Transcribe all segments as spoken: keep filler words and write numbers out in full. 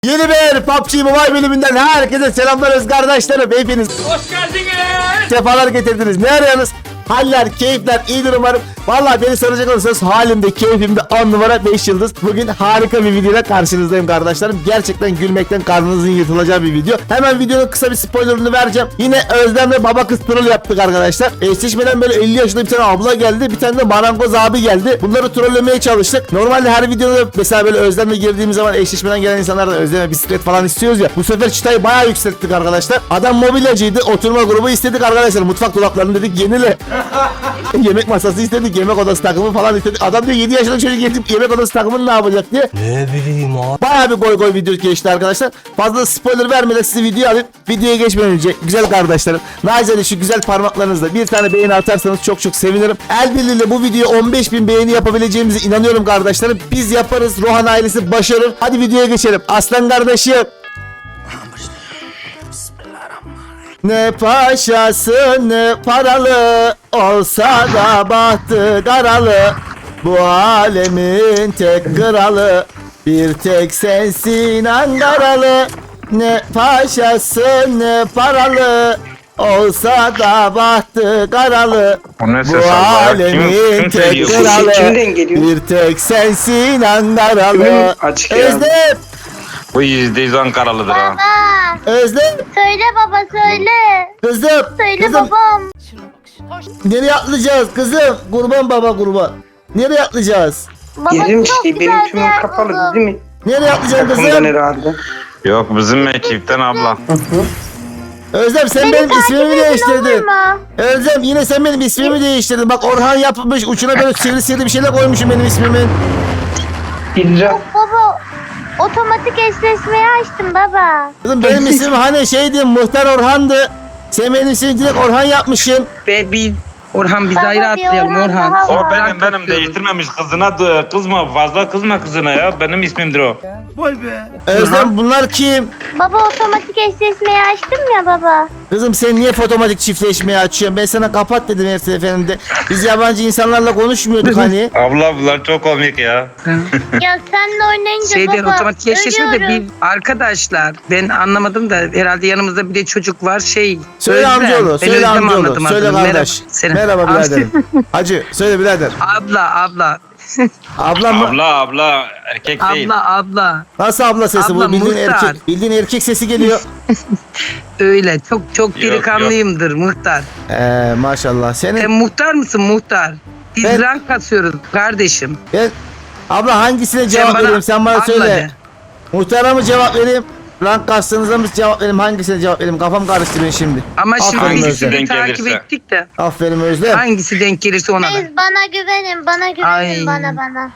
Yeni bir P U B G Mobile bölümünden herkese selamlar öz kardeşlerim. Hepiniz Hoş geldiniz. sefalar getirdiniz. Ne arıyorsunuz? Haller, keyifler iyidir umarım. Vallahi beni soracak olursanız halimde, keyfimde on numara beş yıldız. Bugün harika bir videoyla karşınızdayım kardeşlerim. Gerçekten gülmekten karnınızın yırtılacağı bir video. Hemen videonun kısa bir spoilerını vereceğim. Yine Özlem ve baba kız troll yaptık arkadaşlar. Eşleşmeden böyle elli yaşında bir tane abla geldi. Bir tane de marangoz abi geldi. Bunları trollemeye çalıştık. Normalde her videoda mesela böyle Özlem'le girdiğimiz zaman eşleşmeden gelen insanlar da Özlem'e bisiklet falan istiyoruz ya. Bu sefer çıtayı bayağı yükselttik arkadaşlar. Adam mobilyacıydı. Oturma grubu istedik arkadaşlar. Mutfak dolaplarını dedik yenile. Yemek masası istedik, yemek odası takımı falan istedik. Adam diyor yedi yaşında çocuk gelip yemek odası takımını ne yapacak diye. Ne bileyim abi. Bayağı bir goy goy video geçti arkadaşlar. Fazla spoiler vermeden size video alayım. Videoya geçmeden önce güzel kardeşlerim, nacizane şu güzel parmaklarınızla bir tane beğeni atarsanız çok çok sevinirim. El birliğiyle bu videoya on beş bin beğeni yapabileceğimize inanıyorum kardeşlerim. Biz yaparız, Rohan ailesi başarır. Hadi videoya geçelim. Aslan kardeşim. Ne paşası ne paralı, olsa da bahtı karalı. Bu alemin tek kralı, bir tek sensin Ankaralı. Ne paşası ne paralı, olsa da bahtı karalı. O ne Bu ses Allah? alemin Kim- kim tek söylüyor? kralı, Kimden geliyor? bir tek sensin Ankaralı. Kimin açık ya? Özlem, Bu yüzde yüz Ankaralıdır ha. Baba, Özlem, söyle baba söyle. kızım, Söyle kızım. babam. Nereye atlayacağız kızım? Kurban baba kurban. Nereye atlayacağız? Baba Yerim çok şey güzel benim bir tümüm yer kapalı buldum. değil mi? Nereye atlayacaksın Takımdan kızım? herhalde. Yok bizim ekipten abla. Özlem sen Beni benim takip ismimi edin olur değiştirdin. mu? Özlem yine sen benim ismimi değiştirdin. Bak Orhan yapmış uçuna böyle sivri sivri bir şeyler koymuşum benim ismimin. İdra. Baba otomatik eşleşmeyi açtım baba. Kızım benim ismim hani şeydi, Muhtar Orhan'dı. Sen benim ismini direkt Orhan yapmışsın. Ve bir Orhan biz Baba, ayrı bir atlayalım Orhan Orhan. daha O var. benim benim değiştirmemiş kızına d- kızma fazla kızma kızına ya benim ismimdir o. Özlem bunlar kim? Baba otomatik eşleşmeyi açtım ya baba. Kızım sen niye fotomatik çiftleşmeyi açıyorsun? Ben sana kapat dedim her seferinde. Biz yabancı insanlarla konuşmuyorduk hani. Abla bunlar çok komik ya. Ya senle oynayınca Şeyden baba otomatik eşleşme de ölüyorum. bir arkadaşlar ben anlamadım da herhalde yanımızda bir de çocuk var şey. Söyle Özlem. amcaoğlu, Ben söyle Özlem amcaoğlu, anladım söyle adını. kardeş. Selam. Merhaba Amca- biraderim. Hacı, söyle birader. Abla abla. Ablam mı? Abla abla erkek değil. Abla abla. Nasıl abla sesi Abla, bu? Bildiğin muhtar. erkek, bildiğin erkek sesi geliyor. Öyle çok çok Yok, delikanlıyımdır muhtar. Eee maşallah. Senin Sen muhtar mısın muhtar? Biz Ben- rank kasıyoruz kardeşim. ben abla hangisine cevap bana vereyim? Sen bana abla söyle. de. Muhtara mı cevap vereyim? Rank kastınıza mı cevap vereyim? Hangisine cevap vereyim? Kafam karıştı benim şimdi. Ama şimdi Aferin biz Özlem. sizi Denk takip gelirse. ettik de Aferin Özlem. hangisi denk gelirse ona da. Siz bana güvenin bana güvenin Ay. bana bana.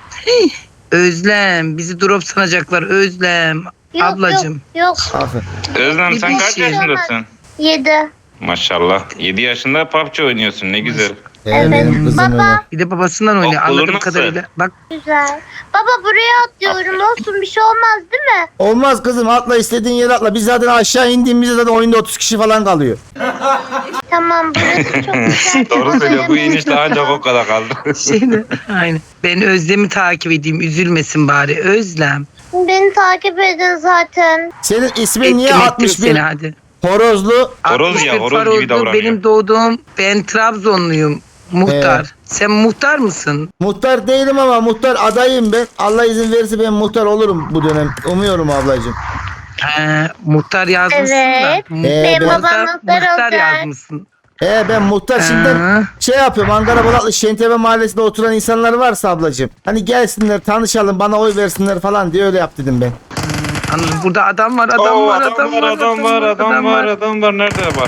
Özlem bizi drop sanacaklar Özlem. Yok, Ablacım. Yok yok. Aferin. Özlem sen Bir kaç şey. yaşındasın? Yedi. Maşallah yedi yaşında P U B G oynuyorsun ne güzel. Evet. Benim kızım Baba. öyle. Bir de babasından oynuyor Okulun anladığım nasıl? kadarıyla. Bak Güzel. Baba buraya atlıyorum olsun bir şey olmaz değil mi? Olmaz kızım, atla istediğin yere atla. Biz zaten aşağı indiğimizde zaten oyunda otuz kişi falan kalıyor. Tamam burası çok güzel. Doğru söylüyor bu inişte ancak o kadar kaldı. şeyde aynı. Ben Özlem'i takip edeyim üzülmesin bari Özlem. Beni takip edin zaten. Senin ismin Ettim niye ettim altmış bir seni hadi. horozlu? Horoz altmış ya, bir horoz gibi Farozlu, davranıyor. benim doğduğum ben Trabzonluyum. Muhtar. Evet. Sen muhtar mısın? Muhtar değilim ama muhtar adayım ben. Allah izin verirse ben muhtar olurum bu dönem. Umuyorum ablacığım. He, muhtar yazmışsın Evet. da. Ee, Benim ben- babam Muhtar, muhtar muhtar olacak. yazmışsın. Ee ben muhtar şimdiden Ha. şey yapıyorum. Ankara Bolatlı Şentepe Mahallesi'nde oturan insanlar varsa ablacığım. Hani gelsinler tanışalım bana oy versinler falan diye öyle yap dedim ben. Anladım. Burada adam var, adam Oo, var, adam var, adam var adam var adam var nerede var?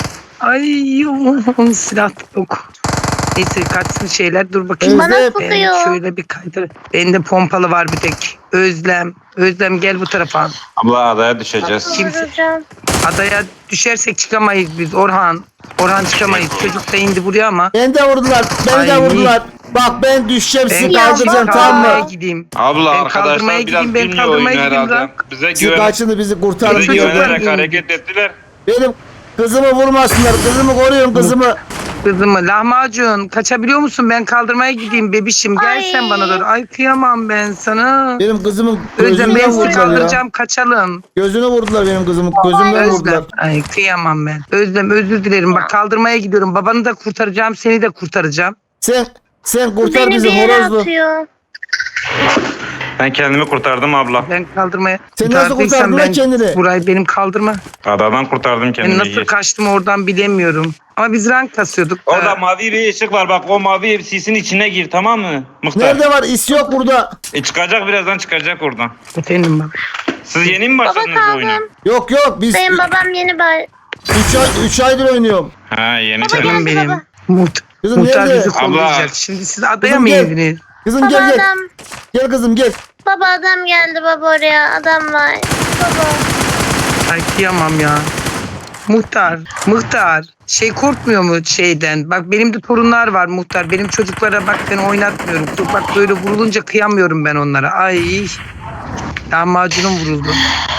Ay onun silah yok. Neyse kaçsın şeyler dur bakayım. Bana Ben tutuyor. şöyle bir kaydır. Bende pompalı var bir tek. Özlem. Özlem gel bu tarafa. Abla adaya düşeceğiz. Kimse- Vuracağım. Adaya düşersek çıkamayız biz Orhan. Orhan çıkamayız. Çocuk da indi buraya ama. Beni de vurdular. Beni de Ay. vurdular. Bak ben düşeceğim sizi Ben kaldıracağım baba. tamam kaldırmaya mı? gideyim. Abla Ben arkadaşlar kaldırmaya biraz gideyim, ben bilmiyor kaldırmaya oyunu gideyim herhalde. lan. Bize Sizi güven, kaçını bizi kurtarın bize Çocuklar diyor. güvenerek indi. hareket ettiler. Benim kızımı vurmasınlar. Kızımı koruyun kızımı. Kızımı lahmacun kaçabiliyor musun? Ben kaldırmaya gideyim bebişim. Gel Ay. sen bana doğru. Ay kıyamam ben sana. Benim kızımın Özlem gözünden ben seni vurdular ya. kaldıracağım kaçalım. Gözünü vurdular benim kızımın. Gözümden vurdular. Özlem. Ay kıyamam ben. Özlem özür dilerim. Bak kaldırmaya gidiyorum. Babanı da kurtaracağım. Seni de kurtaracağım. Sen sen kurtar Beni bizi bir yere horozlu. atıyor. Ben kendimi kurtardım abla. Ben kaldırmaya... Sen nasıl Kurtardıysam kurtardın lan ben- kendini? Burayı benim kaldırma. Adadan kurtardım Ben kendimi. nasıl kaçtım oradan bilemiyorum. Ama biz rank kasıyorduk. Orada Ee, mavi bir ışık var bak, o mavi sisin içine gir, tamam mı Muhtar? Nerede var? İs yok burada. E çıkacak, birazdan çıkacak oradan. Efendim bak. Siz yeni mi Baba başladınız bu oyuna? kaldım. Yok yok biz Benim babam yeni bay. üç ay üç aydır oynuyorum. Ha yeni Baba tabii. gel. Canım Geldi benim. baba. Muht Kızım Muhtar nerede? bizi Abla. kollayacak. Şimdi siz adaya Kızım mı gel. indiniz? Kızım Baba gel gel. adam. Gel kızım gel. Baba adam geldi baba oraya. Adam var. Baba. Ay kıyamam ya. Muhtar, muhtar. Şey korkmuyor mu şeyden? Bak benim de torunlar var muhtar. Benim çocuklara bak ben oynatmıyorum. Bak böyle vurulunca kıyamıyorum ben onlara. Ay. Lahmacunum vuruldu.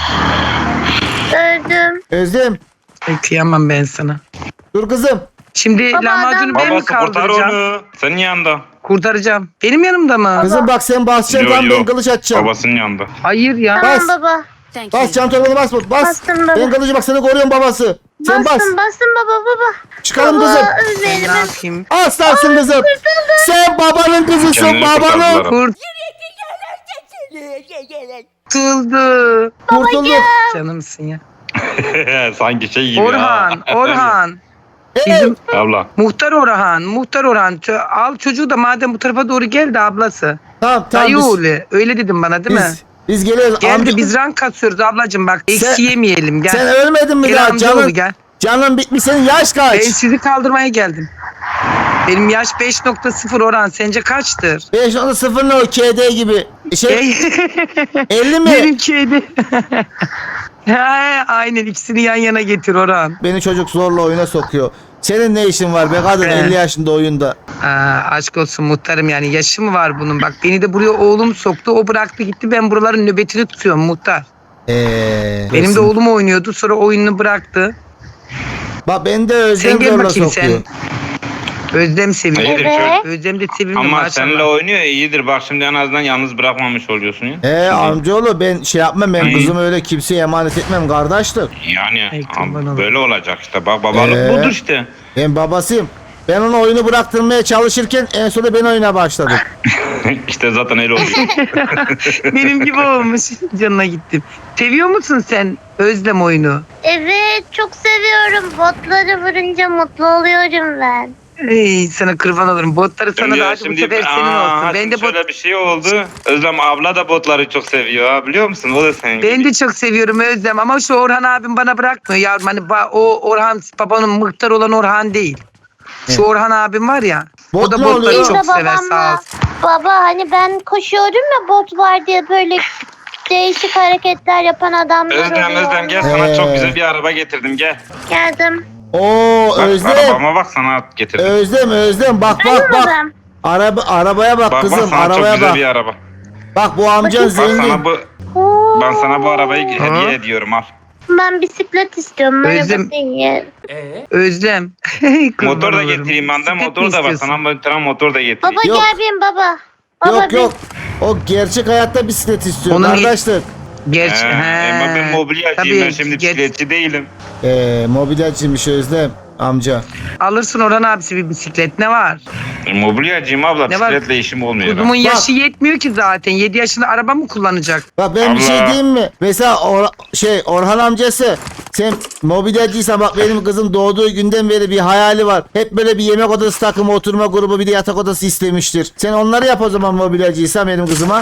Öldüm. Özlem. Ay kıyamam ben sana. Dur kızım. Şimdi Baba, lahmacunu adam- ben mi Babası kurtar kaldıracağım? onu. Senin yanında. Kurtaracağım. Benim yanımda mı? Kızım bak sen basacaksın Yo, tam yo. ben kılıç atacağım. Babasının yanında. Hayır ya. Tamam Bas. baba. Bas can torbanı bas bas. Bastım baba. Ben kılıcı bak seni koruyorum babası. Sen bas. Bastım bastım baba baba. Çıkalım Baba kızım. öl Ben beni. ne Ben... yapayım? Aslansın kızım. Sen babanın kızısın Kendini babanın. kurtardılar. Kurtuldu. Kurtulduk. Canımsın ya. Sanki şey gibi Orhan, ya. Orhan. Hey, Bizim Abla. muhtar Orhan, muhtar Orhan. Çö- Al çocuğu da madem bu tarafa doğru gel de ablası. Tamam tamam Dayı biz, oğlu. Öyle dedim bana değil mi? biz, biz geliyoruz. Gel Amca- de biz rank kasıyoruz ablacığım bak. Eksi yemeyelim gel. Sen ölmedin mi Gel daha? amcaoğlu Canın, gel. canın bitmiş senin yaş Ben kaç? sizi kaldırmaya geldim. Benim yaş beş nokta sıfır Orhan. Sence kaçtır? beş nokta sıfır ne o K D gibi. Şey elli mi? Benimkiydi. He, aynen ikisini yan yana getir Orhan. Beni çocuk zorla oyuna sokuyor. Senin ne işin var be kadın He. elli yaşında oyunda. Aa, aşk olsun muhtarım yani yaşı mı var bunun? Bak beni de buraya oğlum soktu. O bıraktı gitti. Ben buraların nöbetini tutuyorum muhtar. Eee. Benim de oğlum oynuyordu. Sonra oyununu bıraktı. Bak beni de Özlem Sen gel zorla bakayım sokuyor. sen. Özlem seviyor. İyidir Evet. çocuk. Özlem de sevimli Ama maşallah. seninle oynuyor iyidir. Bak şimdi en azından yalnız bırakmamış oluyorsun ya. He Şimdi- amcaoğlu ben şey yapmam ben Hı. kızımı öyle kimseye emanet etmem kardeşlik. Yani Ay, kurban abi, olayım. böyle olacak işte. Bak babalık Ee? budur işte. Ben babasıyım. Ben ona oyunu bıraktırmaya çalışırken en sonunda ben oyuna başladım. İşte zaten öyle oluyor. Benim gibi olmuş. Canına gittim. Seviyor musun sen Özlem oyunu? Evet çok seviyorum. Botları vurunca mutlu oluyorum ben. Ey sana kurban olurum. Botları sana Şimdi- da hadi bu şimdi- sefer senin Aa, olsun. Ben şimdi de bot şöyle bir şey oldu. Özlem abla da botları çok seviyor ha, biliyor musun? O da senin ben gibi. de çok seviyorum Özlem ama şu Orhan abim bana bırakmıyor yavrum. Hani ba- o Orhan babanın muhtar olan Orhan değil. Şu Orhan abim var ya. Bot o da ne botları oluyor? çok Biz de sever sağ babamla- olsun. Baba hani ben koşuyorum ya bot var diye böyle değişik hareketler yapan adamlar Özlem oluyor. Özlem gel, Ee. sana çok güzel bir araba getirdim, gel. Geldim. Oo Bak Özlem. arabama bak, sana getirdim. Özlem Özlem bak bak bak. Babam. Araba arabaya bak, Bak kızım bak, sana çok arabaya güzel bak. bir araba. Bak bu amcan Bak zengin. sana bu, Oo. ben sana bu arabayı hediye Ha? ediyorum, al. Ben bisiklet istiyorum. Özlem- Araba değil. Özlem. Kurban Motor da olurum. getireyim ben de, Bisiklet mi motor da var. istiyorsun? Sana bir tane motor da getireyim. Baba Yok. gel benim baba. Baba Yok yok. O gerçek hayatta bisiklet istiyor Onun- kardeşlik. Gerçi. He, he. ama ben mobilyacıyım, Tabii, ben şimdi ger- bisikletçi değilim. Eee mobilyacıymış Özlem amca. Alırsın Orhan abisi bir bisiklet ne var? E, mobilyacıyım abla, Ne var? bisikletle işim olmuyor. Kuzumun Bak. yaşı yetmiyor ki zaten. yedi yaşında araba mı kullanacak? Bak ben bir şey Allah. diyeyim mi? Mesela Or- şey Orhan amcası sen mobilyacıysan bak benim kızım doğduğu günden beri bir hayali var. Hep böyle bir yemek odası takımı, oturma grubu, bir de yatak odası istemiştir. Sen onları yap o zaman mobilyacıysan benim kızıma.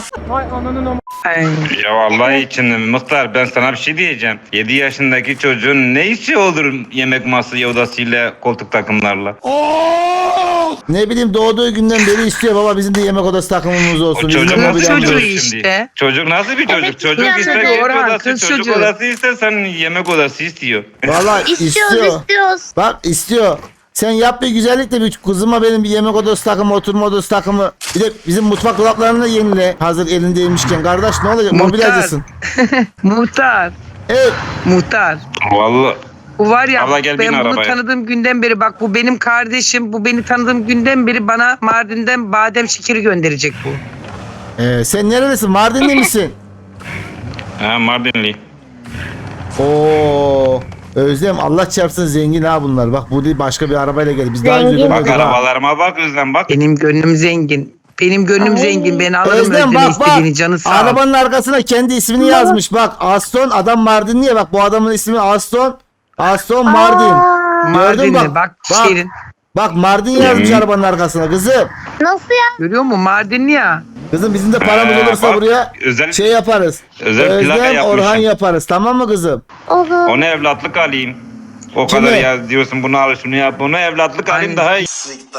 Ay. Ya vallahi içinde Muhtar, ben sana bir şey diyeceğim. yedi yaşındaki çocuğun ne işi olur yemek masası odasıyla, koltuk takımlarla? Ne bileyim doğduğu günden beri istiyor baba bizim de yemek odası takımımız olsun. O Bizim de çocuk nasıl bir çocuğu mobilyamız çocuk olsun. işte. şimdi? Çocuk nasıl bir çocuk? Evet, Çocuk istiyor ister çocuğu, yemek Orhan, odası, kız çocuk çocuğu. odası ister, sen yemek odası istiyor. Valla İstiyoruz istiyor. istiyoruz. Bak istiyor. Sen yap bir güzellik de bir kızıma benim bir yemek odası takımı, oturma odası takımı. Bir de bizim mutfak dolaplarını da yenile. Hazır elindeymişken. Kardeş ne olacak? Muhtar. Mobilyacısın. Muhtar. Evet. Muhtar. Vallahi Bu var ya Abla gel bin ben bunu arabaya. tanıdığım günden beri bak bu benim kardeşim. Bu beni tanıdığım günden beri bana Mardin'den badem şekeri gönderecek bu. Ee, sen nerelisin? Mardinli misin? Ha, Mardinli. Oo. Özlem Allah çarpsın zengin ha bunlar. Bak bu değil başka bir arabayla geldi. Biz daha önce Zengin. Bak görmedik ha. arabalarıma bak Özlem bak. Benim gönlüm zengin. Benim gönlüm Ay. zengin. Ben alırım Özlem Özlem'e bak bak. istediğini canı sağ ol. Arabanın arkasına kendi ismini yazmış. Bak Aston adam Mardinli ya. Bak bu adamın ismi Aston. Aston Mardin. Aa, Gördün Mardinli bak. bak, Bak. şehrin. Bak Mardin yazmış arabanın arkasına kızım. nasıl ya? Görüyor musun Mardinli ya. Kızım bizim de paramız Ee, olursa bak, buraya özel- şey yaparız. özel plaka Özlem yapmışım. Orhan yaparız. Tamam mı kızım? Olur. Onu evlatlık alayım. O Kime? kadar ya diyorsun bunu al şunu yap. Bunu evlatlık alayım Aynen. daha iyi.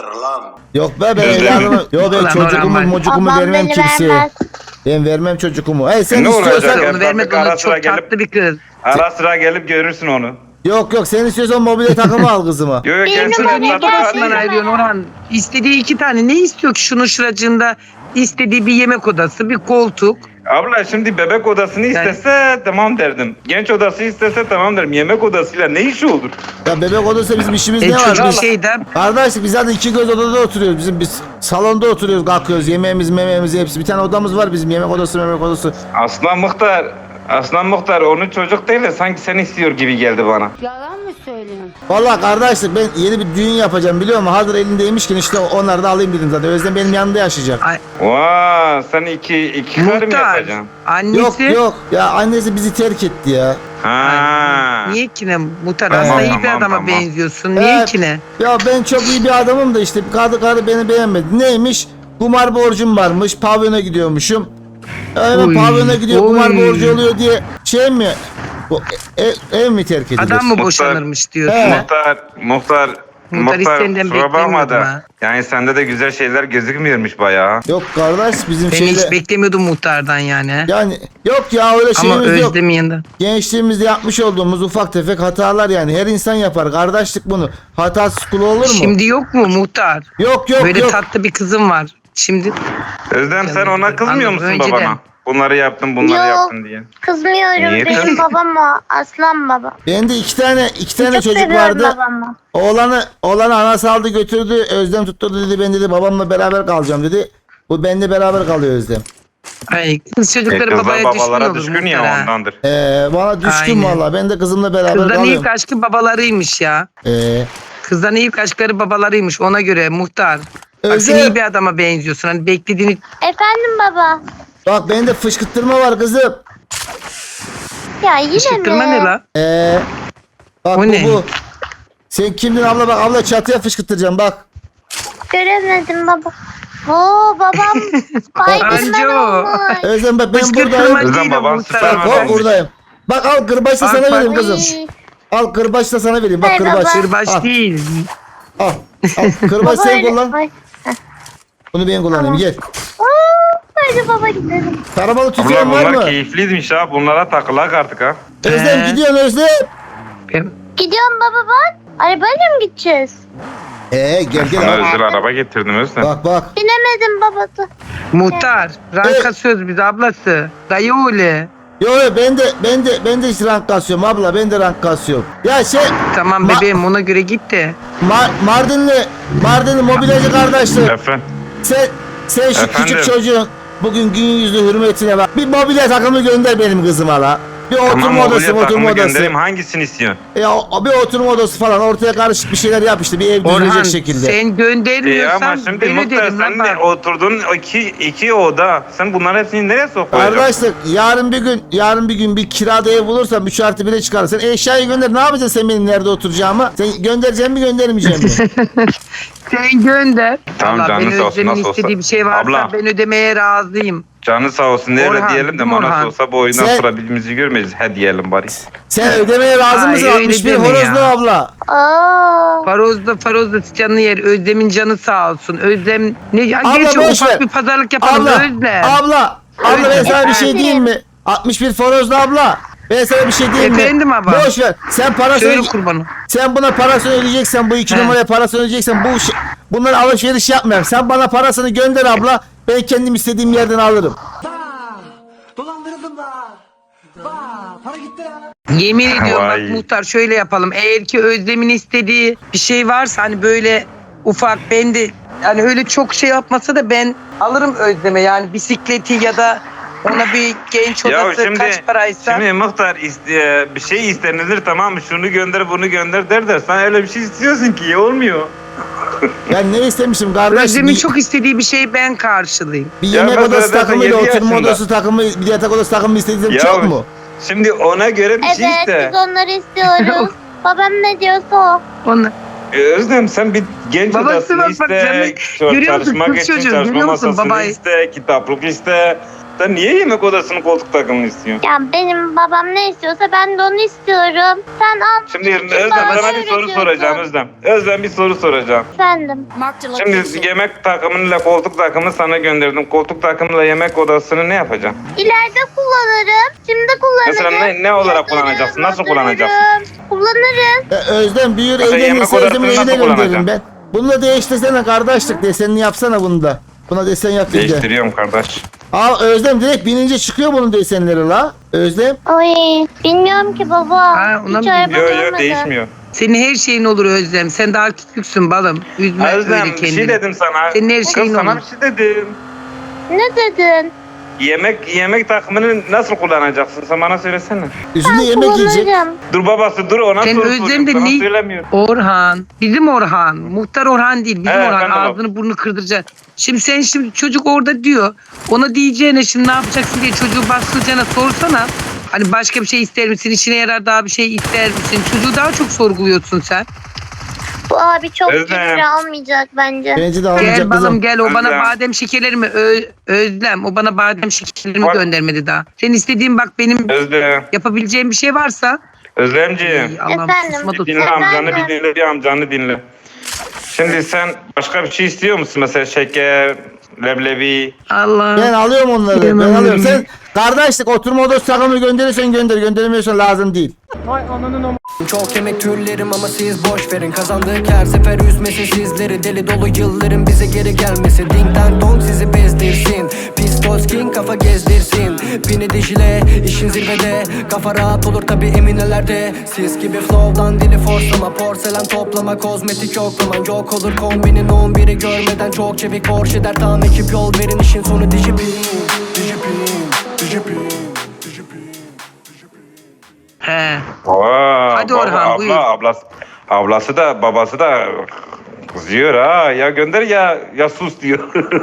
Yok be ben Özlem. evladımı. Yok ben Ulan çocukumu Orhan mocukumu Babam vermem beni kimseye. vermez. Ben vermem çocukumu. Hey sen Ne olacak istiyorsan. ya? Onu vermedi Ara ona sıra çok gelip- tatlı bir kız. Ara sıra gelip görürsün onu. Yok yok sen istiyorsan mobilya takımı al kızıma. Yok yok Bir kendisi numara evlatlık gelsin. alayım. Aslında ayrılıyorsun Orhan. İstediği iki tane. Ne istiyor ki şunun şuracığında? İstediği bir yemek odası, bir koltuk. Abla şimdi bebek odasını Yani- istese tamam derdim. Genç odası istese tamam derim. Yemek odasıyla ne işi olur? Ya bebek odası bizim işimiz E, ne var? çocuk Biz- şeyden. Kardeş biz zaten iki göz odada oturuyoruz. Bizim biz salonda oturuyoruz kalkıyoruz. Yemeğimiz memeğimiz hepsi. Bir tane odamız var bizim yemek odası memek odası. Aslan Muhtar, Aslan Muhtar onu çocuk değil de sanki sen istiyor gibi geldi bana. Yalan mı söylüyorsun? Vallahi kardeşlik ben yeni bir düğün yapacağım biliyor musun? Hazır elindeymişken işte onları da alayım dedim zaten. Özlem benim yanımda yaşayacak. Ay, Vaa sen iki, iki kar mı muhtar. yapacaksın? Annesi. Yok yok ya annesi bizi terk etti ya. Ha. Niye ki ne? Muhtar Tamam, aslında iyi bir tamam, adama tamam. benziyorsun. Niye Evet. ki ne? Ya ben çok iyi bir adamım da işte karı karı beni beğenmedi. Neymiş? Kumar borcum varmış. Pavyona gidiyormuşum. Hemen Oy, pavyona gidiyor kumar oy. borcu oluyor diye şey mi? Bu ev, ev mi terk edilir? Adam mı Muhtar- boşanırmış diyorsun He. ha? Muhtar, muhtar, Muhtar Muhtar istenden kusura bakma beklemiyordum da. ha. Yani sende de güzel şeyler gözükmüyormuş bayağı. Yok kardeş bizim Ben şeyde hiç beklemiyordum muhtardan yani. he. yani yok ya öyle Ama şeyimiz yok. Özlem'in yanında. Gençliğimizde yapmış olduğumuz ufak tefek hatalar yani her insan yapar. Kardeşlik bunu. Hatasız kulu olur mu? Şimdi yok mu muhtar? yok yok Böyle yok. tatlı bir kızım var. Şimdi Özlem sen Canım ona benim, kızmıyor anladım. musun Önceden. babana? Bunları yaptın, bunları Yok. yaptın diye. Kızmıyorum. Niye Benim kız- babam o. Aslan baba. Bende iki tane iki tane Çok çocuk seviyorum vardı. babamı. Oğlanı oğlanı anası aldı götürdü. Özlem tutturdu dedi ben dedi babamla beraber kalacağım dedi. Bu benimle beraber kalıyor Özlem. ay, kız E, çocukları kızlar babaya düşkün babalara olur düşkün muhtar ya ha. ondandır. Ee, bana düşkün Aynen. valla. Ben de kızımla beraber Kızların kalıyorum. ilk aşkı babalarıymış ya. Ee, Kızların ilk aşkları babalarıymış ona göre muhtar. Bak Özlem. sen iyi bir adama benziyorsun. Hani beklediğini Efendim baba. bak bende fışkırtırma var kızım. Ya yine fışkırtma mi? ne la? Ee, bak O bu ne? bu. Sen kimdin abla bak abla çatıya fışkırtacağım bak. Göremedim baba. Oo babam Spiderman Anca o. olmuş. Özlem bak ben Fışkırtma buradayım. değil Özlem o baban muhtar. süper Bak Tamam, hop olmuş. buradayım. Bak al kırbaç da Bak, sana bak. vereyim kızım. Uy. Al kırbaç da sana vereyim. Bak Ver kırbaç. baba. Kırbaç Al, değil. al. Al. Kırbaç Baba sen öyle- kullan. Ay. Bunu ben kullanayım. Gel. Oo, hadi baba gidelim. Taramalı Abla tüfeğin var bunlar mı? keyifliymiş ha. Bunlara takılak artık ha. Özlem He. gidiyorsun Özlem. Ben- Gidiyorum baba bak. Arabayla mı gideceğiz? Ee gel Sana gel. al. özel araba getirdim Özlem. Bak bak. Binemedim babası. Muhtar. Ranka söz biz ablası. Dayı oğlu. Yo yo ben de ben de ben de hiç rank kasıyorum abla ben de rank kasıyorum. Ya şey Tamam Ma- bebeğim ona göre git de. Ma- Mardinli Mardinli mobilyacı kardeşler. Efendim. Sen sen şu Efendim? küçük çocuğun bugün gün yüzlü hürmetine bak. Bir mobilya takımı gönder benim kızıma la. Bir oturma Tamam odası, mobilya oturma takımı odası. göndereyim. Hangisini istiyorsun? Ya o- bir oturma odası falan ortaya karışık bir şeyler yap işte bir ev Orhan düzülecek şekilde. sen E ama göndermiyorsan şimdi ben Muhtar öderim sen lan de bak. oturdun iki, iki oda. Sen bunların hepsini nereye sokacaksın? Arkadaşlar yarın bir gün yarın bir gün bir kirada ev bulursam üç artı bire çıkarırsın. Eşyayı gönder ne yapacaksın sen benim nerede oturacağımı? Sen göndereceğim mi göndermeyeceğim mi? Sen gönder. Tamam, Vallahi canın ben sağ olsun, Özlem'in nasıl olsa. istediği bir şey varsa Abla. ben ödemeye razıyım. Canı sağ olsun ne öyle Orhan, diyelim de değil mi bana Orhan? olsa bu oyundan Sen- sonra birbirimizi görmeyiz. He diyelim bari. Sen ödemeye razı Ay, mısın? öyle altmış bir deme horozlu ya. abla. Aa. Faroz'da Faroz'da canı yer. Özlem'in canı sağ olsun. Özlem ne ya Abla, gerçi boş ufak ver. bir pazarlık yapalım Abla, Özlem. abla, abla ben Özlem. sana bir şey diyeyim mi? altmış bir Forozlu abla. Ben sana bir şey diyeyim mi? Efendim abla. Boş ver. Sen parasını Söyle kurbanım. sen buna parasını ödeyeceksen bu iki He. numaraya parasını ödeyeceksen bu şey, bunları alışveriş yapmayalım. Sen bana parasını gönder abla. Ben kendim istediğim yerden alırım. Dolandırıldım da. Vah, para Yemin ediyorum bak Vay. muhtar şöyle yapalım. Eğer ki Özlem'in istediği bir şey varsa hani böyle ufak ben de yani öyle çok şey yapmasa da ben alırım Özlem'e yani bisikleti ya da ona bir genç Ya odası şimdi, kaç paraysa. şimdi muhtar iste, bir şey istenilir tamam mı? Şunu gönder bunu gönder der de sen öyle bir şey istiyorsun ki olmuyor. Ben ne istemişim kardeş? Özlem'in Bir, çok istediği bir şeyi ben karşılayayım. bir Ya yemek mesela odası zaten takımıyla yedi oturma yaşında. odası takımı, bir de yatak odası takımı istediğim Ya çok mu? Şimdi ona göre bir şey Evet iste. biz onları istiyoruz. Babam ne diyorsa o. Onu. Ee, Özlem sen bir genç Babası odasını bak, bak, iste, canım. ço- Görüyor musun? çalışmak Kız için çocuğu, çalışma görüyor musun masasını babayı? iste, kitaplık iste. Sen niye yemek odasının koltuk takımını istiyorsun? Ya benim babam ne istiyorsa ben de onu istiyorum. Sen al Şimdi Özlem bana sana bir soru öğretiyorsun. soracağım Özlem. Özlem bir soru soracağım. efendim. Marked a Şimdi location. yemek takımıyla koltuk takımını sana gönderdim. Koltuk takımıyla yemek odasını ne yapacaksın? İleride kullanırım. Şimdi kullanırım. Mesela ne, ne olarak Yatarım, kullanacaksın? Nasıl otururum. kullanacaksın? Kullanırım. E, Özlem büyür Mesela yemek evlenirse odasını Özlem'in nasıl evine gönderirim kullanacaksın? ben. Bunu da değiştirsene kardeşlik desenini yapsana bunu da. Buna desen yap bir de. Değiştiriyorum kardeş. Aa Özlem direkt binince çıkıyor bunun desenleri la. Özlem. Ay bilmiyorum ki baba. Ha, ona Hiç mı araba Yok yok görmedim. değişmiyor. Senin her şeyin olur Özlem. Sen daha küçüksün balım. Üzme öyle Özlem bir kendini. şey dedim sana. Senin her Kız şeyin sana olur. bir şey dedim. Ne dedin? Yemek yemek takımını nasıl kullanacaksın? Sen bana söylesene. Üstünde yemek yiyecek. Kullanırım. Dur babası dur ona Sen soru Özlem soracağım. de Sana ne- söylemiyor. Orhan. Bizim Orhan. Muhtar Orhan değil. Bizim He, Orhan. ben de bak. Ağzını burnunu kırdıracaksın. Şimdi sen şimdi çocuk orada diyor. Ona diyeceğine şimdi ne yapacaksın diye çocuğu bastıracağına sorsana. Hani başka bir şey ister misin? İşine yarar daha bir şey ister misin? Çocuğu daha çok sorguluyorsun sen. Bu abi çok Özlem. ciddi almayacak bence. Bence de Gel almayacak balım kızım. gel o bana Özlem. badem şekerlerimi Ö- Özlem o bana badem şekerlerimi Bak. göndermedi daha. Senin istediğin bak benim Özlem. yapabileceğim bir şey varsa. Özlemciğim. Ay, Allah'ım Efendim? susma Bir da dinle sus. amcanı Efendim? bir dinle bir amcanı dinle. Şimdi sen başka bir şey istiyor musun? Mesela şeker, leblebi. Allah. Ben alıyorum onları. Ben Yemem alıyorum. yemin. Sen kardeşlik oturma odası takımı gönderirsen gönder. Gönderemiyorsan lazım değil. Çok yemek türlerim ama siz boş verin. Kazandık her sefer üzmesi sizleri. Deli dolu yılların bize geri gelmesi. Ding dang dong sizi bezdirsin. Pistols king kafa gezdirsin. Bini dijile işin zirvede. Kafa rahat olur tabi eminelerde. Siz gibi flow'dan dili forslama. Porselen toplama kozmetik yoklaman. Yok olur kombinin on biri görmeden. Çok çevik Porsche der tam ekip yol verin. İşin sonu dijipin. Dijipin. Dijipin. He. Aa, Hadi baba, Orhan, abla, buyur. Ablası, ablası da babası da kızıyor ha. Ya gönder ya ya sus diyor.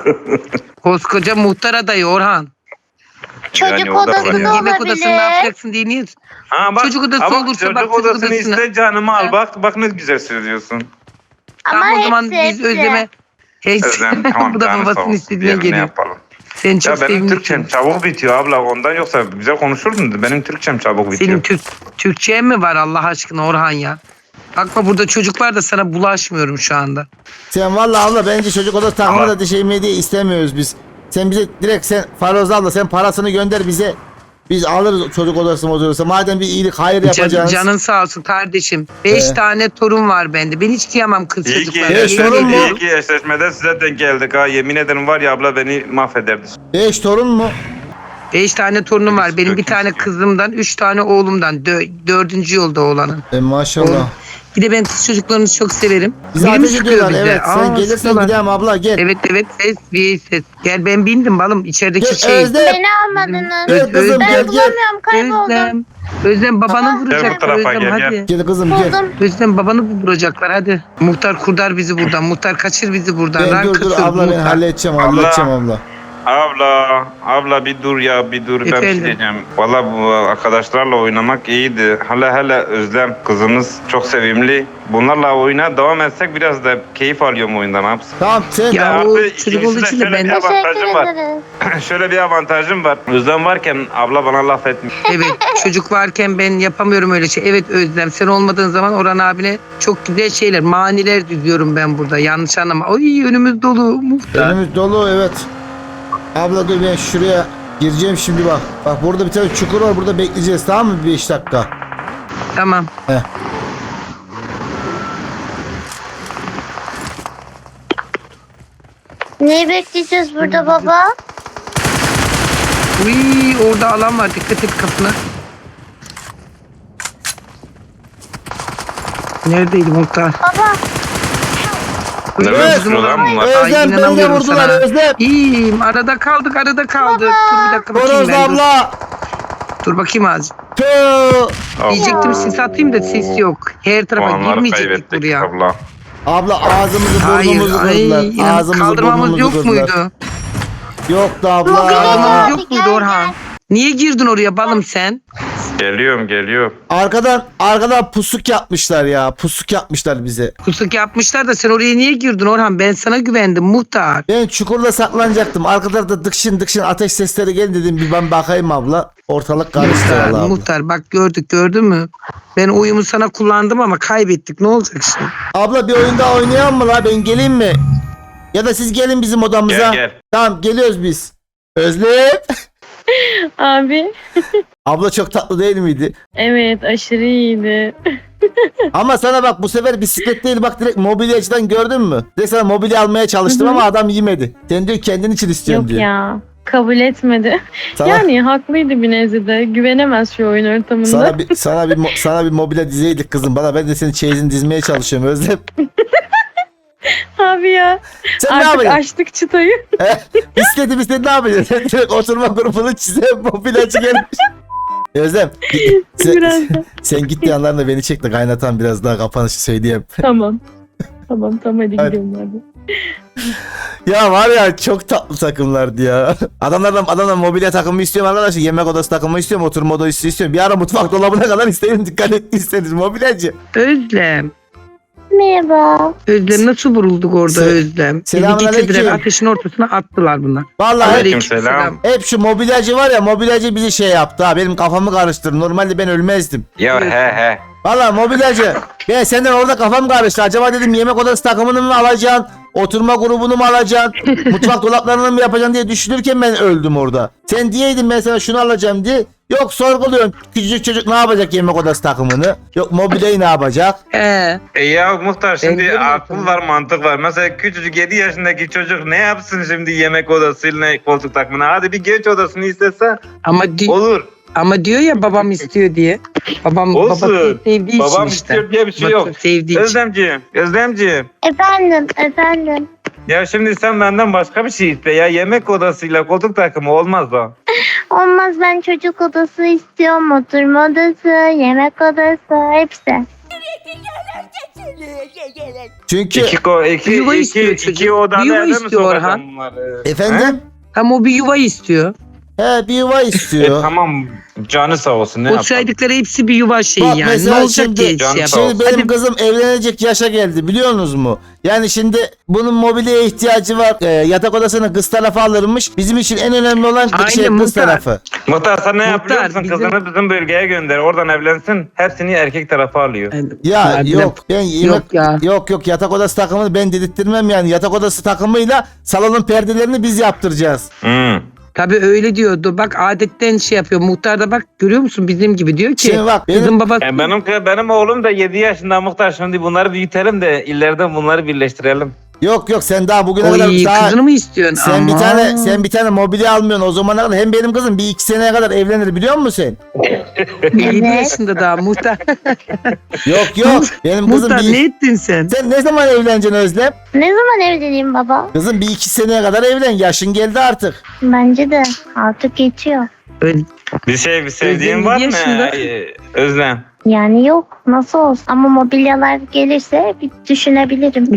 Koskoca muhtar adayı Orhan. Çocuk Yani o da var odası ya. da Yemek odasını ne olabilir. yapacaksın diye niye? Ha, Çocuk odası ha, olursa çocuk bak, çocuk odasını odasını. iste canımı al Ha. bak bak ne güzel söylüyorsun. Ama Tamam o zaman hepsi, biz hepsi. Özlem'e hepsi. Özlem tamam Bu da canı sağ babasının olsun. istediğine Diyelim, ne geliyor. yapalım. Sen çok Ya benim sevimlisin. Türkçem çabuk bitiyor abla ondan yoksa güzel konuşurdun da benim Türkçem çabuk bitiyor. Senin Türk Türkçen mi var Allah aşkına Orhan ya? Bakma burada çocuk var da sana bulaşmıyorum şu anda. Sen vallahi abla bence çocuk odası takımı Ama- da şey diye istemiyoruz biz. Sen bize direkt sen Faroz abla sen parasını gönder bize. Biz alırız çocuk odası odası. Madem bir iyilik hayır Can, yapacağız. canın sağ olsun kardeşim. Beş Ee? tane torun var bende. Ben hiç kıyamam kız İyi ki, çocuklara. Beş iyi, Yemin torun mu? ediyorum. iyi ki eşleşmede size denk geldik ha. Yemin ederim var ya abla beni mahvederdi. Beş torun mu? Beş tane torunum var. Benim bir Döküm tane istiyor. kızımdan, üç tane oğlumdan. Dö- dördüncü yolda oğlanın. E maşallah. Oğlum. Bir de ben kız çocuklarını çok severim. Bizi Biri mi ateş sıkıyor ediyorlar bize? evet. Sen Aa, gelirsen sıkıyorlar. gidelim abla gel. Evet evet ses bir ses. Gel ben bindim balım içerideki Gel şey. Özlem. Beni almadınız. Gel kızım Ben gel gel. bulamıyorum kayboldum. Özlem. Özlem babanı Aa, Gel bu vuracaklar tarafa, Özlem gel, hadi. gel. Gel kızım gel. Buldum. Özlem babanı vuracaklar hadi. Muhtar kurtar bizi buradan. Muhtar kaçır bizi buradan. Ben Rank dur dur kasıyoruz abla ben muhtar. halledeceğim Abla. halledeceğim abla. Abla, abla bir dur ya bir dur ben bir Efendim? şey diyeceğim. Valla bu arkadaşlarla oynamak iyiydi. Hala hala Özlem kızımız çok sevimli. Bunlarla oyuna devam etsek biraz da keyif alıyorum oyundan ne yapsın? Tamam sen Ya Artı o ikincisi çocuk olduğu de için de şöyle ben bir de. avantajım Teşekkür var. ederiz. Şöyle bir avantajım var. Özlem varken abla bana laf etmiyor. Evet çocuk varken ben yapamıyorum öyle şey. Evet Özlem sen olmadığın zaman Orhan abine çok güzel şeyler maniler düzüyorum ben burada. Yanlış anlama. Ay önümüz dolu muhtar. önümüz dolu evet. Abla dur ben şuraya gireceğim şimdi bak. Bak burada bir tane çukur var burada bekleyeceğiz tamam mı beş dakika. Tamam. Heh. Neyi bekleyeceğiz burada baba? Uy orada alan var dikkat et kapına. Neredeydi muhtar? Baba Nereden Evet. çıkıyor lan bunlar? Ay, Özlem beni de inanamıyorum vurdular sana. Özlem. İyiyim. Arada kaldık, arada kaldık. Dur bir dakika bakayım Horoz ben. Dur. abla. dur bakayım az. Tüh. Diyecektim sis atayım da ses yok. Her tarafa Puanları girmeyecektik kaybettik buraya. abla. Abla ağzımızı Hayır, burnumuzu ay, kırdılar. inan- Ağzımızı kaldırmamız burnumuzu yok kırdılar. muydu? Yoktu abla. Kaldırmamız Gel, yok muydu gel, Orhan? gel. Niye girdin oraya balım sen? Geliyorum geliyorum. Arkadan arkadan pusuk yapmışlar ya. Pusuk yapmışlar bize. Kusuk yapmışlar da sen oraya niye girdin Orhan? Ben sana güvendim muhtar. Ben çukurda saklanacaktım. Arka tarafta dıkşın dıkşın ateş sesleri geldi dedim. Bir ben bakayım abla. Ortalık karıştı Muhtar, valla abla. muhtar bak gördük gördün mü? Ben oyumu sana kullandım ama kaybettik. Ne olacak şimdi? Abla bir oyun daha oynayalım mı la? Ben geleyim mi? Ya da siz gelin bizim odamıza. Gel gel. Tamam geliyoruz biz. Özlem. Abi Abla çok tatlı değil miydi? evet aşırı iyiydi. Ama sana bak bu sefer bisiklet değil bak direkt mobilyacıdan gördün mü? Direkt sana mobilya almaya çalıştım ama adam yemedi. Sen diyor kendin için istiyorum Yok diyor. ya kabul etmedi. Sana, Yani haklıydı bir nezide. Güvenemez şu oyun ortamında. sana bir sana bir mo- sana bir mobilya dizeydik kızım. Bana ben de senin çeyizini dizmeye çalışıyorum Özlem. Abi ya Sen ne artık yapacaksın? açtık çıtayı. Bisikleti bisikleti ne yapacaksın? Sen direkt oturma grubunu çize mobilyacı gelmiş. Özlem sen, Biraz da. sen gittiği yanlarında beni çek de kaynatan biraz daha kapanışı söyleyeyim. Tamam. Tamam tamam hadi Hadi. gidelim abi. Ya var ya çok tatlı takımlardı ya. Adamlardan adamdan mobilya takımı istiyorum arkadaşlar. Yemek odası takımı istiyorum. Oturma odası istiyorum. Bir ara mutfak dolabına kadar isterim. Dikkat ettiyseniz mobilyacı. Özlem. Merhaba. Özlem nasıl vurulduk orada Se- Özlem? Bizi Selamünaleyküm. getirdiler ateşin ortasına attılar bunlar. Vallahi hep, Aleykümselam. hep şu mobilyacı var ya mobilyacı bizi şey yaptı ha. Benim kafamı karıştırdı. Normalde ben ölmezdim. Ya he he. Vallahi mobilyacı. Ben senden orada kafam karıştı. Acaba dedim yemek odası takımını mı alacaksın? Oturma grubunu mu alacaksın? Mutfak dolaplarını mı yapacaksın diye düşünürken ben öldüm orada. Sen diyeydin ben sana şunu alacağım diye. Yok sorguluyorum. Küçücük çocuk ne yapacak yemek odası takımını? Yok mobilyayı ne yapacak? He. E ya muhtar şimdi Ben görmedim. akıl var mantık var. Mesela küçücük yedi yaşındaki çocuk ne yapsın şimdi yemek odasıyla koltuk takımına? Hadi bir genç odasını istese Ama di- olur. ama diyor ya babam istiyor diye. Babam Olsun. babası sevdiği Babam için işte. istiyor diye bir şey Babası yok. sevdiği için. Özlemciğim, Özlemciğim. Efendim, efendim. Ya şimdi sen benden başka bir şey iste ya. Yemek odasıyla koltuk takımı olmaz o. Olmaz ben çocuk odası istiyorum. Oturma odası, yemek odası hepsi. Çünkü İki, ko iki, Yuva iki, istiyor iki, çocuk. iki odada Yuva eve mi istiyor sokacağım Orhan. bunları? efendim Ama o bir yuva istiyor. he bir yuva E, istiyor. tamam canı sağ olsun ne O yapalım. saydıkları hepsi bir yuva şeyi Bak yani. mesela Ne olacak şimdi- diye Can şey sağ yapalım. Şimdi benim Hadi kızım evlenecek yaşa geldi biliyorsunuz mu? Yani şimdi bunun mobilyaya ihtiyacı var. Ee, yatak odasını kız tarafı alırmış. Bizim için en önemli olan Aynen, şey kız muhtar. tarafı. Muhtar sen ne Muhtar, yapıyor musun? bizim- Kızını bizim bölgeye gönder. Oradan evlensin. Hepsini erkek tarafı alıyor. Ya Hadi yok ben yemek Yok ya. yok yok yatak odası takımını ben dedirttirmem yani. Yatak odası takımıyla salonun perdelerini biz yaptıracağız. Hmm. Tabii öyle diyordu. Bak adetten şey yapıyor. Muhtar da bak görüyor musun bizim gibi diyor ki. Şimdi bak, benim- Kızın babası. E benim benim oğlum da yedi yaşında muhtar. Şimdi bunları büyütelim de ileride bunları birleştirelim. Yok yok sen daha bugüne kadar Oy daha kızını mı istiyorsun? sen bir Aman. tane sen bir tane mobilya almıyorsun o zamana kadar hem benim kızım bir iki seneye kadar evlenir biliyor musun sen? yedi Evet. yaşında daha muhtar. Yok yok benim kızım muhtar bir ne ettin sen? sen ne zaman evleneceksin Özlem? Ne zaman evleneyim baba? Kızım bir iki seneye kadar evlen yaşın geldi artık. Bence de artık geçiyor. Öyle. Bir şey bir sevdiğin Özlem var yedi mı? yaşında. Ee, Özlem. Yani yok nasıl olsun ama mobilyalar gelirse bir düşünebilirim.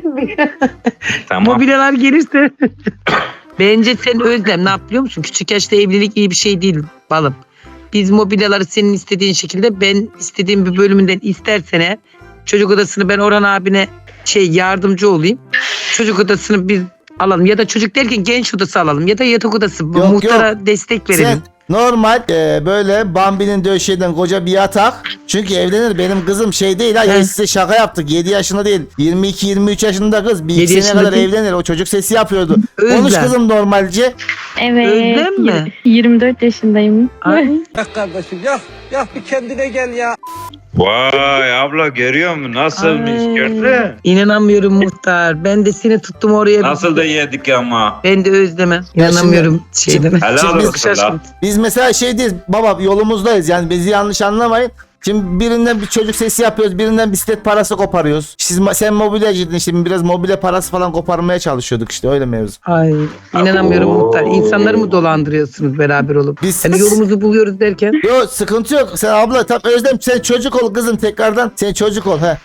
Tamam. Mobilyalar gelirse. Bence sen Özlem ne yap biliyor musun? Küçük yaşta evlilik iyi bir şey değil balım. Biz mobilyaları senin istediğin şekilde ben istediğim bir bölümünden istersen eğer, çocuk odasını ben Orhan abine şey yardımcı olayım. Çocuk odasını biz alalım ya da çocuk derken genç odası alalım ya da yatak odası Yok, muhtara destek verelim. Sen normal e, böyle Bambi'nin döşeğinden koca bir yatak. Çünkü evlenir benim kızım şey değil ha ya He. size şaka yaptık yedi yaşında değil yirmi iki yirmi üç yaşında kız bir iki Yedi seneye yaşında kadar değil. evlenir o çocuk sesi yapıyordu. Özlem. Konuş kızım normalce. Evet. Özlem mi? yirmi dört yaşındayım. Ay. Yak kardeşim yak. Yak bir kendine gel ya. Vay abla görüyor musun? Nasılmış Ay, gördün? İnanamıyorum muhtar. Ben de seni tuttum oraya. Nasıl da yedik ama. Ben de Özlem'e. İnanamıyorum şeyden. Helal Şimdi olsun biz- la. Biz mesela şey değiliz baba yolumuzdayız yani bizi yanlış anlamayın. Şimdi birinden bir çocuk sesi yapıyoruz, birinden bisiklet parası koparıyoruz. Siz sen mobilyacıydın, şimdi biraz mobilya parası falan koparmaya çalışıyorduk işte, öyle mevzu. Ay inanamıyorum Muhtar. İnsanları mı dolandırıyorsunuz beraber olup? Biz- Hani yolumuzu buluyoruz derken. Yo, sıkıntı yok. Sen abla tam Özlem, sen çocuk ol kızım tekrardan. Sen çocuk ol he.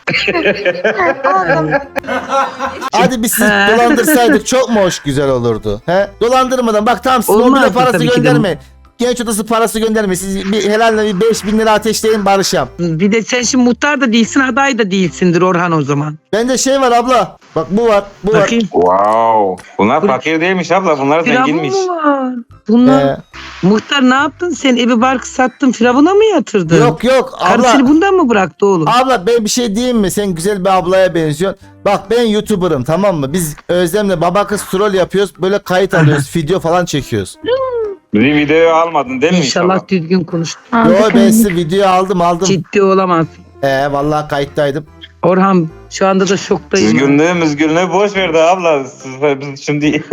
Hadi biz sizi dolandırsaydık çok mu hoş güzel olurdu. He? Dolandırmadan bak, tamam siz Olmazdı mobilya parası tabii ki de. göndermeyin. Genç odası parası göndermeyin. Siz bir helalle bir beş bin lira ateşleyin, barışam. Bir de sen şimdi muhtar da değilsin, aday da değilsindir Orhan o zaman. Bende şey var abla. Bak bu var. Bu Bakayım. Wow. Bunlar fakir değilmiş abla. Bunlar Firavun zenginmiş. mu var? var. Bunlar Ee, muhtar ne yaptın sen? Evi barkı sattın, Firavun'a mı yatırdın? yok yok abla. Karısını bundan mı bıraktı oğlum? Abla ben bir şey diyeyim mi? Sen güzel bir ablaya benziyorsun. Bak ben YouTuber'ım, tamam mı? Biz Özlem'le baba kız troll yapıyoruz. Böyle kayıt alıyoruz. video falan çekiyoruz. Bir videoyu almadın değil mi İnşallah inşallah? düzgün konuş. Yo Aldık, ben aldık. size video aldım aldım. Ciddi olamaz. Ee, vallahi kayıttaydım. Orhan şu anda da şoktayım. Düzgünlüğü müzgünlüğü boş verdi abla. Siz, biz şimdi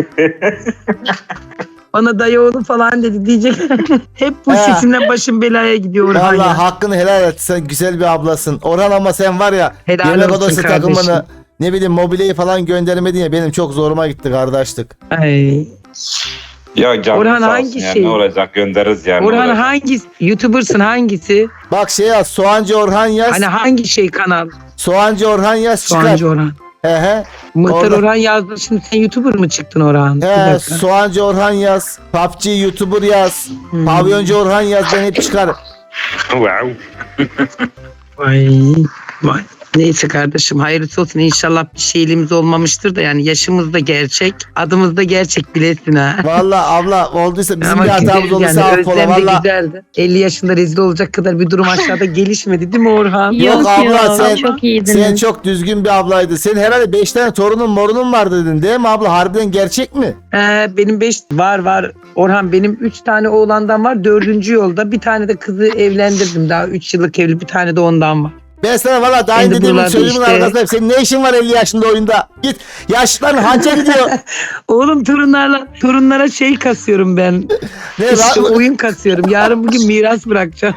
Bana dayı oğlu falan dedi diyecek. Hep bu He. sesimle başım belaya gidiyor Orhan Vallahi ya. hakkını helal et. Sen güzel bir ablasın. Orhan ama sen var ya, Helal yemek olsun odası kardeşim. takımını, ne bileyim mobilyayı falan göndermedin ya, benim çok zoruma gitti kardeşlik. Ay. ya canım Orhan sağ olsun hangi ya. şey? Ne olacak, göndeririz yani. Orhan ne olacak? hangisi? YouTuber'sın hangisi? Bak şey yaz, Soğancı Orhan yaz. Hani hangi şey kanal? Soğancı Orhan yaz çıkar. Soğancı Orhan. He he. Muhtar Orada- Orhan yazdı. Şimdi sen YouTuber mı çıktın Orhan? Bir He, dakika. Soğancı Orhan yaz. P U B G YouTuber yaz. Hmm. Pavyoncu Orhan yaz, ben hep çıkar. Wow. Vay, vay. Neyse kardeşim hayırlısı olsun. İnşallah bir şeyliğimiz olmamıştır da yani yaşımız da gerçek. Adımız da gerçek bilesin ha. Vallahi abla olduysa bizim Ama bir hatamız güzel olursa yani. affola Özlem de valla. güzeldi. elli yaşında rezil olacak kadar bir durum aşağıda gelişmedi değil mi Orhan? Yok Yok abla, yok, sen- çok iyiydiniz. Sen çok düzgün bir ablaydın. Senin herhalde beş tane torunun morunun var dedin değil mi abla? Harbiden gerçek mi? Ee, benim beş var var. Orhan benim üç tane oğlandan var. Dördüncü yolda. Bir tane de kızı evlendirdim. Daha üç yıllık evli. Bir tane de ondan var. Ben sana valla daha Ben önce de dediğimin buralarda sözümün işte- arkasındayım. Senin ne işin var elli yaşında oyunda? Git. Yaşlıların hança gidiyor. Oğlum torunlarla torunlara şey kasıyorum ben. Ne İşte lan? oyun kasıyorum. Yarın bugün miras bırakacağım.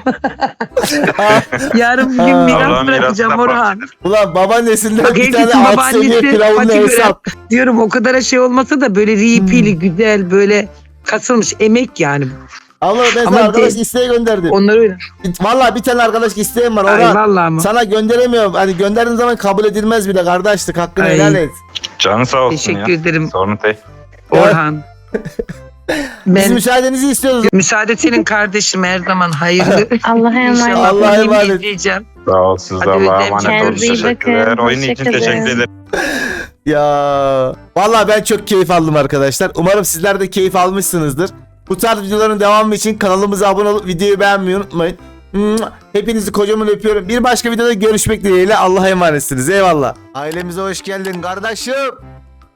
Yarın bugün Aa. miras Allah'ın bırakacağım mirasına Orhan. Ulan babaannesinden Bak bir tane herkesin alt seviye babaannesi firavunlu fakir hesap. diyorum o kadar şey olmasa da böyle ripili güzel böyle kasılmış emek yani. Abla ben Ama sana arkadaş de- isteği gönderdim. Onlar öyle. Valla bir tane arkadaş isteğim var. Ay Ona vallahi ama. sana gönderemiyorum. Hani gönderdiğin zaman kabul edilmez bile kardeşlik. Hakkını Ay. helal et. Canı sağ olsun Teşekkür ya. ederim Sorun değil. Orhan. Biz Ben müsaadenizi istiyoruz. müsaade senin kardeşim her zaman hayırlı. Allah'a emanet. İnşallah Allah'a filmi emanet. izleyeceğim. Sağ ol, siz de Hadi Allah'a Özlem, emanet olun. kendinize iyi Teşekkürler. bakın. Oyun için Hoşçakalın. teşekkür ederim. Ya vallahi ben çok keyif aldım arkadaşlar. Umarım sizler de keyif almışsınızdır. Bu tarz videoların devamı için kanalımıza abone olup videoyu beğenmeyi unutmayın. Hepinizi kocaman öpüyorum. Bir başka videoda görüşmek dileğiyle. Allah'a emanetsiniz. Eyvallah. Ailemize hoş geldin kardeşim.